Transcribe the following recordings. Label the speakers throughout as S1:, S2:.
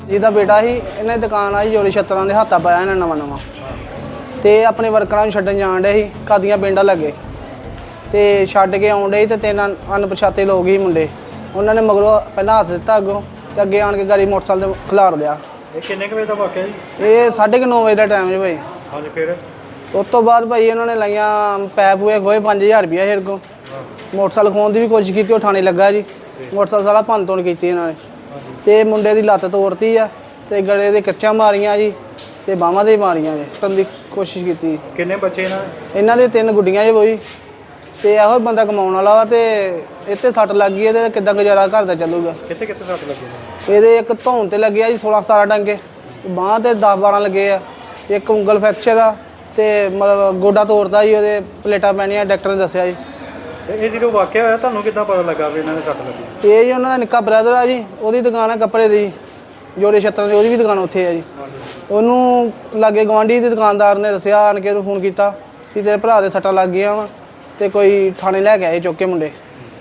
S1: ਜਿਹਦਾ ਬੇਟਾ ਸੀ ਇਹਨੇ ਦੁਕਾਨ ਆਈ ਜੋੜੀ ਛੱਤਰਾਂ ਦੇ ਹੱਥਾਂ ਪਾਇਆ ਇਹਨਾਂ ਨਵਾਂ ਤੇ ਆਪਣੇ ਵਰਕਰਾਂ ਨੂੰ ਛੱਡਣ ਜਾਣ ਡੇ ਸੀ ਕਾਦੀਆਂ ਪਿੰਡਾਂ ਲੱਗੇ ਤੇ ਛੱਡ ਕੇ ਆਉਣ ਡੇ ਤੇ ਤਿੰਨ ਅਣਪਛਾਤੇ ਲੋਕ ਹੀ ਮੁੰਡੇ ਉਹਨਾਂ ਨੇ ਮਗਰੋਂ ਪਹਿਲਾਂ ਹੱਥ ਦਿੱਤਾ ਅੱਗੋਂ ਤੇ ਅੱਗੇ ਆਣ ਕੇ ਗਾੜੀ ਮੋਟਰਸਾਈਕਲ ਤੇ ਖਿਲਾਰ ਦਿਆ।
S2: ਇਹ ਕਿੰਨੇ ਕੁ ਵਜੇ ਦਾ ਵਾਕਿਆ ਜੀ?
S1: ਇਹ 9:30 ਵਜੇ ਦਾ ਟਾਈਮ ਜੀ ਭਾਈ।
S2: ਹਾਂਜੀ ਫਿਰ
S1: ਉਸ ਤੋਂ ਬਾਅਦ ਭਾਈ ਇਹਨਾਂ ਨੇ ਲਾਈਆਂ ਪੈਪ ਹੋਏ ਖੋਏ 5000 ਰੁਪਇਆ ਸਾਡੇ ਕੋਲ। ਮੋਟਰਸਾਈਕਲ ਖੋਣ ਦੀ ਵੀ ਕੋਸ਼ਿਸ਼ ਕੀਤੀ, ਉਹ ਥਾਣੇ ਲੱਗਾ ਜੀ। ਮੋਟਰਸਾਈਕਲ ਸਾਰਾ ਭੰਨ ਤੋੜ ਕੀਤੀ ਇਹਨਾਂ ਨੇ ਤੇ ਮੁੰਡੇ ਦੀ ਲੱਤ ਤੋੜਤੀ ਆ ਤੇ ਗਲੇ ਦੇ ਕਿਰਚਾਂ ਮਾਰੀਆਂ ਜੀ ਤੇ ਬਾਹਾਂ ਦੇ ਮਾਰੀਆਂ ਜੀ। ਕਰਨ ਦੀ ਕੋਸ਼ਿਸ਼ ਕੀਤੀ।
S2: ਕਿੰਨੇ ਬੱਚੇ
S1: ਇਹਨਾਂ ਦੇ 3 ਗੁੱਡੀਆਂ ਜੀ ਬੋਈ ਤੇ ਇਹੋ ਬੰਦਾ ਕਮਾਉਣ ਵਾਲਾ ਵਾ ਤੇ ਇੱਥੇ ਸੱਟ ਲੱਗ ਗਈ ਤੇ ਕਿੱਦਾਂ ਗੁਜ਼ਾਰਾ ਘਰ ਦਾ ਚੱਲੂਗਾ।
S2: ਕਿੱਥੇ ਕਿੱਥੇ ਸੱਟ ਲੱਗੀ?
S1: ਇਹਦੇ ਇੱਕ ਧੌਣ ਤੇ ਲੱਗਿਆ ਜੀ 16-17 ਡੰਗੇ, ਬਾਂਹ ਤੇ 10-12 ਲੱਗੇ ਆ, ਇੱਕ ਉਂਗਲ ਫ੍ਰੈਕਚਰ ਆ ਤੇ ਮਤਲਬ ਗੋਡਾ ਤੋੜਦਾ ਜੀ, ਉਹਦੇ ਪਲੇਟਾਂ ਪੈਣੀਆਂ ਡਾਕਟਰ ਨੇ ਦੱਸਿਆ ਜੀ।
S2: ਇਹ ਜਦੋਂ ਵਾਕਿਆ ਹੋਇਆ ਤੁਹਾਨੂੰ ਕਿੱਦਾਂ ਪਤਾ ਲੱਗਾ ਵੀ ਇਹਨਾਂ ਨੇ ਸੱਟ ਲੱਗੀ?
S1: ਇਹ ਜੀ ਉਹਨਾਂ ਦਾ ਨਿੱਕਾ ਬ੍ਰਦਰ ਆ ਜੀ, ਉਹਦੀ ਦੁਕਾਨ ਆ ਕੱਪੜੇ ਦੀ ਜੋੜੇ ਛੱਤਰਾਂ ਦੀ, ਉਹਦੀ ਵੀ ਦੁਕਾਨ ਉੱਥੇ ਆ ਜੀ। ਉਹਨੂੰ ਲਾਗੇ ਗਵਾਂਢੀ ਦੇ ਦੁਕਾਨਦਾਰ ਨੇ ਦੱਸਿਆ, ਆਣ ਕੇ ਉਹਨੂੰ ਫੋਨ ਕੀਤਾ ਵੀ ਤੇਰੇ ਭਰਾ ਦੇ ਸੱਟਾਂ ਲੱਗ ਗਈਆਂ ਵਾ ਤੇ ਕੋਈ ਥਾਣੇ ਲੈ ਕੇ ਆਏ ਚੁੱਕ ਕੇ ਮੁੰਡੇ।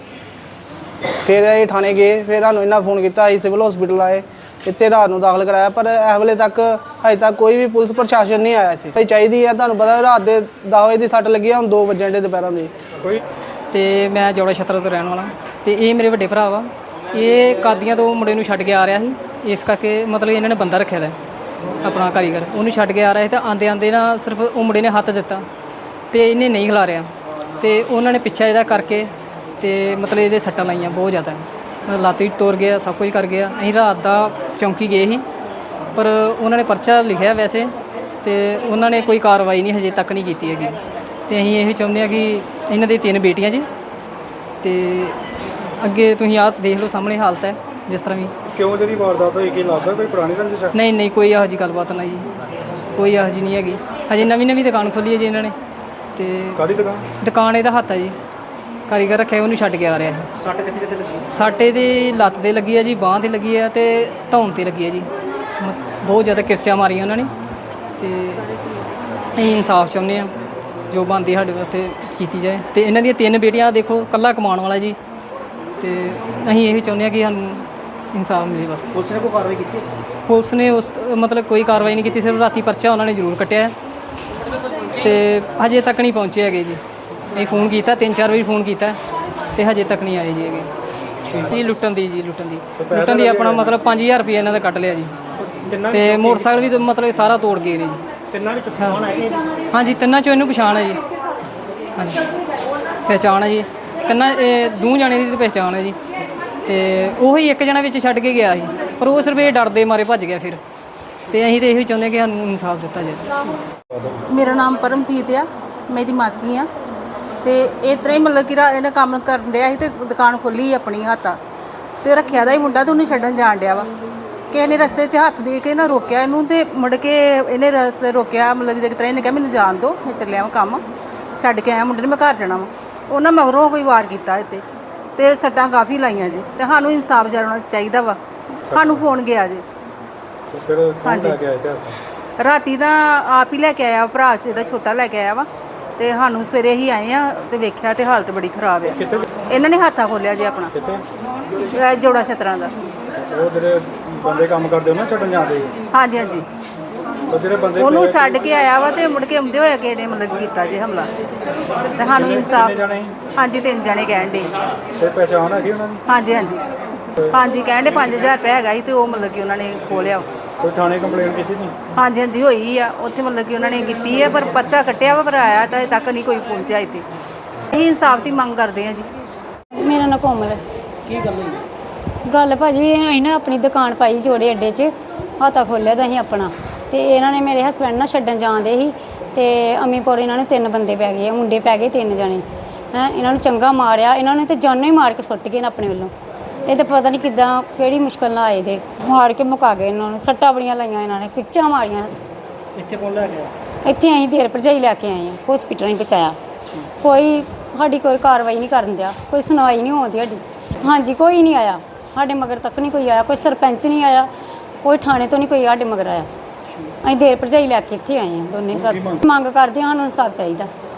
S1: ਫਿਰ ਇਹ ਥਾਣੇ ਗਏ, ਫਿਰ ਸਾਨੂੰ ਇਹਨਾਂ ਫੋਨ ਕੀਤਾ, ਅਸੀਂ ਸਿਵਲ ਹਸਪੀਟਲ ਆਏ, ਇੱਥੇ ਰਾਤ ਨੂੰ ਦਾਖਲ ਕਰਾਇਆ ਪਰ ਇਸ ਵੇਲੇ ਤੱਕ ਅਜੇ ਤੱਕ ਕੋਈ ਵੀ ਪੁਲਿਸ ਪ੍ਰਸ਼ਾਸਨ ਨਹੀਂ ਆਇਆ ਇੱਥੇ। ਚਾਹੀਦੀ ਆ, ਤੁਹਾਨੂੰ ਪਤਾ ਰਾਤ ਦੇ 10 ਵਜੇ ਦੀ ਸੱਟ ਲੱਗੀ ਆ, ਹੁਣ 2 ਵਜੇ ਦੇ ਦੁਪਹਿਰਾਂ ਦੇ।
S3: ਤੇ ਮੈਂ ਜੋੜਾ ਛੱਤਰਾਂ ਤੋਂ ਰਹਿਣ ਵਾਲਾ ਤੇ ਇਹ ਮੇਰੇ ਵੱਡੇ ਭਰਾ ਵਾ। ਇਹ ਕਾਦੀਆਂ ਤੋਂ ਮੁੰਡੇ ਨੂੰ ਛੱਡ ਕੇ ਆ ਰਿਹਾ ਸੀ, ਇਸ ਕਰਕੇ ਮਤਲਬ ਇਹਨਾਂ ਨੇ ਬੰਦਾ ਰੱਖਿਆ ਦਾ ਆਪਣਾ ਕਾਰੀਗਰ, ਉਹਨੂੰ ਛੱਡ ਕੇ ਆ ਰਿਹਾ ਸੀ। ਤਾਂ ਆਂਦੇ ਨਾ ਸਿਰਫ ਉਹ ਮੁੰਡੇ ਨੇ ਹੱਥ ਦਿੱਤਾ ਤੇ ਇਹਨੇ ਨਹੀਂ ਖਿਲਾਰਿਆ ਤੇ ਉਹਨਾਂ ਨੇ ਪਿੱਛਾ ਇਹਦਾ ਕਰਕੇ ਤੇ ਮਤਲਬ ਇਹਦੇ ਸੱਟਾਂ ਲਾਈਆਂ ਬਹੁਤ ਜ਼ਿਆਦਾ, ਮਤਲਬ ਲੱਤ ਵੀ ਤੋੜ ਗਿਆ, ਸਭ ਕੁਝ ਕਰ ਗਿਆ। ਅਸੀਂ ਰਾਤ ਦਾ ਚੌਂਕੀ ਗਏ ਸੀ ਪਰ ਉਹਨਾਂ ਨੇ ਪਰਚਾ ਲਿਖਿਆ ਵੈਸੇ ਤੇ ਉਹਨਾਂ ਨੇ ਕੋਈ ਕਾਰਵਾਈ ਨਹੀਂ ਹਜੇ ਤੱਕ ਨਹੀਂ ਕੀਤੀ ਹੈਗੀ। ਤੇ ਅਸੀਂ ਇਹ ਚਾਹੁੰਦੇ ਹਾਂ ਕਿ ਇਹਨਾਂ ਦੀ 3 ਬੇਟੀਆਂ ਜੀ ਤੇ ਅੱਗੇ ਤੁਸੀਂ ਆਹ ਦੇਖ ਲਓ ਸਾਹਮਣੇ ਹਾਲਤ ਹੈ ਜਿਸ ਤਰ੍ਹਾਂ ਵੀ।
S2: ਕਿਉਂ ਜਿਹੜੀ ਵਾਰਦਾਤ ਹੋਈ ਕੀ ਲੱਗਦਾ ਕੋਈ ਪੁਰਾਣੀ ਰੰਜਿਸ਼ ਹੈ?
S3: ਨਹੀਂ ਕੋਈ ਇਹੋ ਜਿਹੀ ਗੱਲਬਾਤ ਨਹੀਂ ਜੀ, ਕੋਈ ਇਹੋ ਜਿਹੀ ਨਹੀਂ ਹੈਗੀ। ਹਜੇ ਨਵੀਂ ਦੁਕਾਨ ਖੋਲੀ ਹੈ ਜੀ ਇਹਨਾਂ ਨੇ ਤੇ
S2: ਕਾਹਦੀ
S3: ਦੁਕਾਨ ਇਹਦਾ ਹੱਥ ਹੈ ਜੀ, ਕਾਰੀਗਰ ਰੱਖਿਆ, ਉਹਨੂੰ ਛੱਡ ਕੇ ਆ ਰਿਹਾ ਹੈ।
S2: ਸੱਟ ਕਿੱਥੇ ਕਿੱਥੇ ਲੱਗੀ?
S3: ਸੱਟ ਇਹਦੀ ਲੱਤ ਤੇ ਲੱਗੀ ਹੈ ਜੀ, ਬਾਂਹ ਤੇ ਲੱਗੀ ਹੈ ਤੇ ਧੌਣ ਤੇ ਲੱਗੀ ਹੈ ਜੀ। ਬਹੁਤ ਜ਼ਿਆਦਾ ਕਿਰਚਾਂ ਮਾਰੀਆਂ ਉਹਨਾਂ ਨੇ ਤੇ ਅਸੀਂ ਇਨਸਾਫ ਚਾਹੁੰਦੇ ਹਾਂ, ਜੋ ਬਣਦੀ ਸਾਡੇ ਵਾਸਤੇ ਕੀਤੀ ਜਾਏ। ਤੇ ਇਹਨਾਂ ਦੀਆਂ 3 ਬੇਟੀਆਂ ਦੇਖੋ, ਇਕੱਲਾ ਕਮਾਉਣ ਵਾਲਾ ਜੀ ਤੇ ਅਸੀਂ ਇਹ ਚਾਹੁੰਦੇ ਹਾਂ ਕਿ ਸਾਨੂੰ ਇਨਸਾਫ ਮਿਲੇ ਬਸ।
S2: ਪੁਲਿਸ ਨੇ ਕੋਈ ਕਾਰਵਾਈ ਕੀਤੀ?
S3: ਪੁਲਿਸ ਨੇ ਉਸ ਮਤਲਬ ਕੋਈ ਕਾਰਵਾਈ ਨਹੀਂ ਕੀਤੀ, ਸਿਰਫ ਰਾਤੀ ਪਰਚਾ ਉਹਨਾਂ ਨੇ ਜ਼ਰੂਰ ਕੱਟਿਆ ਤੇ ਹਜੇ ਤੱਕ ਨਹੀਂ ਪਹੁੰਚੇ ਹੈਗੇ ਜੀ। ਅਸੀਂ ਫੋਨ ਕੀਤਾ 3-4 ਵਾਰੀ ਫੋਨ ਕੀਤਾ ਤੇ ਹਜੇ ਤੱਕ ਨਹੀਂ ਆਏ ਜੀ ਹੈਗੇ ਜੀ। ਲੁੱਟਣ ਦੀ ਆਪਣਾ ਮਤਲਬ 5000 ਰੁਪਏ ਇਹਨਾਂ ਦਾ ਕੱਟ ਲਿਆ ਜੀ ਤੇ ਮੋਟਰਸਾਈਕਲ ਵੀ ਮਤਲਬ ਸਾਰਾ ਤੋੜ ਗਏ ਨੇ ਜੀ।
S2: ਤਿੰਨਾਂ ਵਿੱਚ ਪਛਾਣ ਹੈ?
S3: ਹਾਂਜੀ, ਤਿੰਨਾਂ ਚੋਂ ਇਹਨੂੰ ਪਛਾਣ ਹੈ ਜੀ। ਹਾਂਜੀ, ਪਹਿਚਾਣ ਹੈ ਜੀ ਤਿੰਨਾਂ, 2 ਜਣੇ ਦੀ ਪਹਿਚਾਣ ਹੈ ਜੀ ਤੇ ਉਹੀ 1 ਜਣਾ ਵਿੱਚ ਛੱਡ ਕੇ ਗਿਆ ਸੀ ਪਰ ਉਹ ਸਿਰਫ ਇਹ ਡਰਦੇ ਮਾਰੇ ਭੱਜ ਗਿਆ ਫਿਰ। ਤੇ ਅਸੀਂ ਤਾਂ ਇਹੋ ਚਾਹੁੰਦੇ ਕਿ ਸਾਨੂੰ ਇਨਸਾਫ ਦਿੱਤਾ ਜਾਏ।
S4: ਮੇਰਾ ਨਾਮ ਪਰਮਜੀਤ ਆ, ਮੈਂ ਇਹਦੀ ਮਾਸੀ ਆ ਤੇ ਇਸ ਤਰ੍ਹਾਂ ਹੀ ਮਤਲਬ ਕਿ ਇਹਨੇ ਕੰਮ ਕਰਨ ਡਿਆ ਸੀ ਤੇ ਦੁਕਾਨ ਖੋਲੀ ਆਪਣੀ ਹੱਥਾਂ ਤੇ ਰੱਖਿਆ ਦਾ ਹੀ ਮੁੰਡਾ ਤੇ ਉਹਨੂੰ ਛੱਡਣ ਜਾਣ ਡਿਆ ਵਾ। ਕਿਸੇ ਨੇ ਰਸਤੇ 'ਚ ਹੱਥ ਦੇ ਕੇ ਨਾ ਰੋਕਿਆ ਇਹਨੂੰ ਤੇ ਮੁੜ ਕੇ ਇਹਨੇ ਰਸਤੇ ਰੋਕਿਆ, ਮਤਲਬ ਕਿ ਜਿਸ ਤਰ੍ਹਾਂ ਇਹਨੇ ਕਿਹਾ ਮੈਨੂੰ ਜਾਣ ਦਿਓ, ਮੈਂ ਚੱਲਿਆ ਵਾ ਕੰਮ ਛੱਡ ਕੇ ਆਇਆ ਮੁੰਡੇ ਨੇ, ਮੈਂ ਘਰ ਜਾਣਾ ਵਾ। ਉਹਨਾਂ ਮਗਰੋਂ ਕੋਈ ਵਾਰ ਕੀਤਾ ਇੱਥੇ ਤੇ ਸੱਟਾਂ ਕਾਫੀ ਲਾਈਆਂ ਜੀ ਤੇ ਸਾਨੂੰ ਇਨਸਾਫ ਜਾਣਾ ਚਾਹੀਦਾ ਵਾ। ਸਾਨੂੰ ਫੋਨ ਗਿਆ ਜੀ। ਹਾਂਜੀ, ਰਾਤੀ ਦਾ ਆਪ ਹੀ ਲੈ ਕੇ ਆਇਆ, ਭਰਾ ਇਹਦਾ ਛੋਟਾ ਲੈ ਕੇ ਆਇਆ ਵਾ ਤੇ ਸਾਨੂੰ ਸਵੇਰੇ ਹੀ ਆਏ ਆ ਤੇ ਵੇਖਿਆ ਤੇ ਹਾਲਤ ਬੜੀ ਖਰਾਬ ਆ। ਇਹਨਾਂ ਨੇ ਹੱਥਾਂ ਖੋਲਿਆ ਜੀ ਆਪਣਾ ਜੋੜਾ ਛੱਤਰਾਂ ਦਾ।
S2: ਉਹ ਜਿਹੜੇ ਬੰਦੇ ਕੰਮ ਕਰਦੇ ਉਹਨਾਂ ਛੱਡਣ ਜਾਂਦੇ?
S4: ਹਾਂਜੀ,
S2: ਉਹ ਜਿਹੜੇ ਬੰਦੇ
S4: ਉਹਨੂੰ ਛੱਡ ਕੇ ਆਇਆ ਵਾ ਤੇ ਮੁੜ ਕੇ ਆਉਂਦੇ ਹੋਏ ਕਿਹੜੇ ਮਤਲਬ ਕੀਤਾ ਜੀ ਹਮਲਾ ਤੇ ਸਾਨੂੰ ਇਨਸਾਫ। ਹਾਂਜੀ, 3 ਜਣੇ ਕਹਿਣ ਡੇ।
S2: ਤੇ ਪਹਿਚਾਣ ਹੈਗੀ ਉਹਨਾਂ ਦੀ?
S4: ਹਾਂਜੀ ਕਹਿਣ ਡੇ 5000 ਰੁਪਏ ਹੈਗਾ ਸੀ ਤੇ ਉਹ ਮਤਲਬ ਕਿ ਉਹਨਾਂ ਨੇ ਖੋਲਿਆ।
S2: ਕੋਈ ਥਾਣੇ ਕੰਪਲੇਂਟ ਕੀਤੀ ਸੀ?
S4: ਹਾਂਜੀ ਹੋਈ ਆ ਉੱਥੇ, ਮਤਲਬ ਕਿ ਉਹਨਾਂ ਨੇ ਕੀਤੀ ਹੈ ਪਰ ਪਰਚਾ ਕੱਟਿਆ ਵਾ ਪਰ ਆਇਆ ਤਾਂ ਅਜੇ ਤੱਕ ਨਹੀਂ ਕੋਈ ਪਹੁੰਚਿਆ ਇੱਥੇ। ਅਸੀਂ ਇਨਸਾਫ ਦੀ ਮੰਗ ਕਰਦੇ ਹਾਂ ਜੀ।
S5: ਮੇਰਾ ਨਾਂ ਕੋਮਲ ਹੈ।
S2: ਕੀ ਗੱਲ ਹੋਈ?
S5: ਗੱਲ ਭਾਜੀ ਅਸੀਂ ਨਾ ਆਪਣੀ ਦੁਕਾਨ ਪਾਈ ਜੋੜੇ ਅੱਡੇ 'ਚ, ਹੱਥਾ ਖੋਲ੍ਹਿਆ ਤਾਂ ਅਸੀਂ ਆਪਣਾ ਤੇ ਇਹਨਾਂ ਨੇ ਮੇਰੇ ਹਸਬੈਂਡ ਨਾਲ ਛੱਡਣ ਜਾਂਦੇ ਸੀ ਤੇ ਅਮੀਪੁਰ ਇਹਨਾਂ ਨੂੰ 3 ਬੰਦੇ ਪੈ ਗਏ, ਮੁੰਡੇ ਪੈ ਗਏ 3 ਜਣੇ ਹੈਂ। ਇਹਨਾਂ ਨੂੰ ਚੰਗਾ ਮਾਰਿਆ, ਇਹਨਾਂ ਨੇ ਤੇ ਜਾਨੋਂ ਹੀ ਮਾਰ ਕੇ ਸੁੱਟ ਗਏ ਨੇ ਆਪਣੇ ਵੱਲੋਂ। ਇਹ ਤਾਂ ਪਤਾ ਨਹੀਂ ਕਿੱਦਾਂ ਕਿਹੜੀ ਮੁਸ਼ਕਲ ਨਾਲ ਆਏ ਦੇ, ਮਾਰ ਕੇ ਮੁਕਾ ਗਏ ਇਹਨਾਂ ਨੂੰ। ਸੱਟਾਂ ਬੜੀਆਂ ਲਾਈਆਂ ਇਹਨਾਂ ਨੇ, ਕਿੱਚਾਂ ਮਾਰੀਆਂ।
S2: ਇੱਥੇ ਕੌਣ ਲੈ ਗਿਆ?
S5: ਇੱਥੇ ਅਸੀਂ ਦੇਰ ਭਰਜਾਈ ਲੈ ਕੇ ਆਏ ਹਾਂ, ਹਸਪੀਟਲ ਨਹੀਂ ਪਹੁੰਚਾਇਆ। ਕੋਈ ਸਾਡੀ ਕੋਈ ਕਾਰਵਾਈ ਨਹੀਂ ਕਰਨ ਦਿਆ, ਕੋਈ ਸੁਣਵਾਈ ਨਹੀਂ ਹੋਉਂਦੀ ਸਾਡੀ। ਹਾਂਜੀ, ਕੋਈ ਨਹੀਂ ਆਇਆ ਸਾਡੇ ਮਗਰ ਤੱਕ, ਨਹੀਂ ਕੋਈ ਆਇਆ, ਕੋਈ ਸਰਪੰਚ ਨਹੀਂ ਆਇਆ, ਕੋਈ ਥਾਣੇ ਤੋਂ ਨਹੀਂ ਕੋਈ ਸਾਡੇ ਮਗਰ ਆਇਆ। ਅਸੀਂ ਦੇਰ ਭਰਜਾਈ ਲੈ ਕੇ ਇੱਥੇ ਆਏ ਹਾਂ ਦੋਨੇ। ਮੰਗ ਕਰਦੇ ਹਾਂ ਸਾਨੂੰ ਇਨਸਾਫ ਚਾਹੀਦਾ।